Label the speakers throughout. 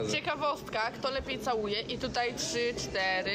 Speaker 1: Ciekawostka, kto lepiej całuje i tutaj 3, 4.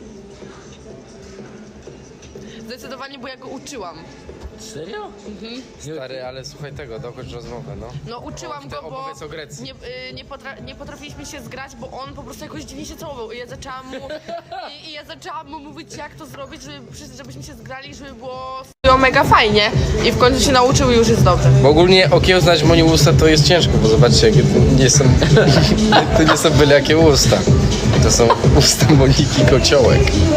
Speaker 1: Zdecydowanie, bo ja go uczyłam.
Speaker 2: Serio?
Speaker 1: Mhm.
Speaker 3: Stary, ale słuchaj tego, dokończ rozmowę, no.
Speaker 1: No uczyłam go, bo
Speaker 3: opowiedz o Grecji.
Speaker 1: nie potrafiliśmy się zgrać, bo on po prostu jakoś dziwnie się całował i ja zaczęłam mu ja zaczęłam mu mówić, jak to zrobić, żebyśmy się zgrali, żeby było mega fajnie i w końcu się nauczył i już jest dobrze.
Speaker 3: Bo ogólnie okiełznać Moni usta to jest ciężko, bo zobaczcie, jakie to nie są, to nie są byle jakie usta. To są usta Moniki Kociołek.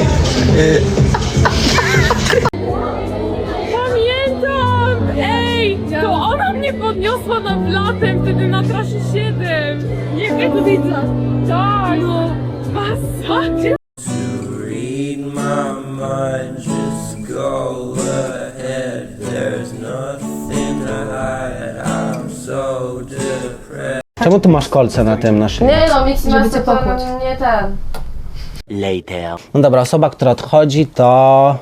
Speaker 4: Pamiętam! Ej! To ona mnie podniosła nad latem, wtedy na trasie 7. Nie wiem, to widzę. Tak! No, masakra!
Speaker 5: Read my mind, just go ahead. There's nothing to hide. I'm so depressed.
Speaker 6: Czemu tu masz kolce na tym naszym?
Speaker 7: Nie no, nic nie cię pokłuć. Nie ten.
Speaker 6: No dobra, osoba, która odchodzi to...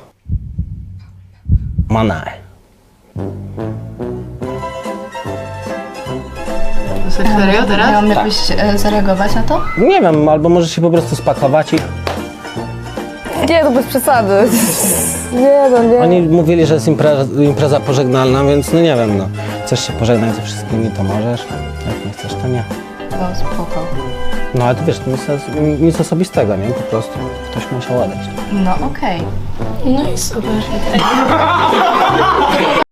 Speaker 6: Manae.
Speaker 7: Serio teraz? Mam jakoś zareagować na to?
Speaker 6: Nie wiem, albo możesz się po prostu spakować i...
Speaker 7: Nie, no bez przesady. Nie no, nie.
Speaker 6: Oni mówili, że jest impreza pożegnalna, więc no nie wiem, no. Chcesz się pożegnać ze wszystkimi, to możesz. Jak nie chcesz, to nie.
Speaker 7: To spoko.
Speaker 6: No ale to wiesz, nic osobistego, nie? Po prostu ktoś musiał odejść.
Speaker 7: No okej.
Speaker 1: No i super.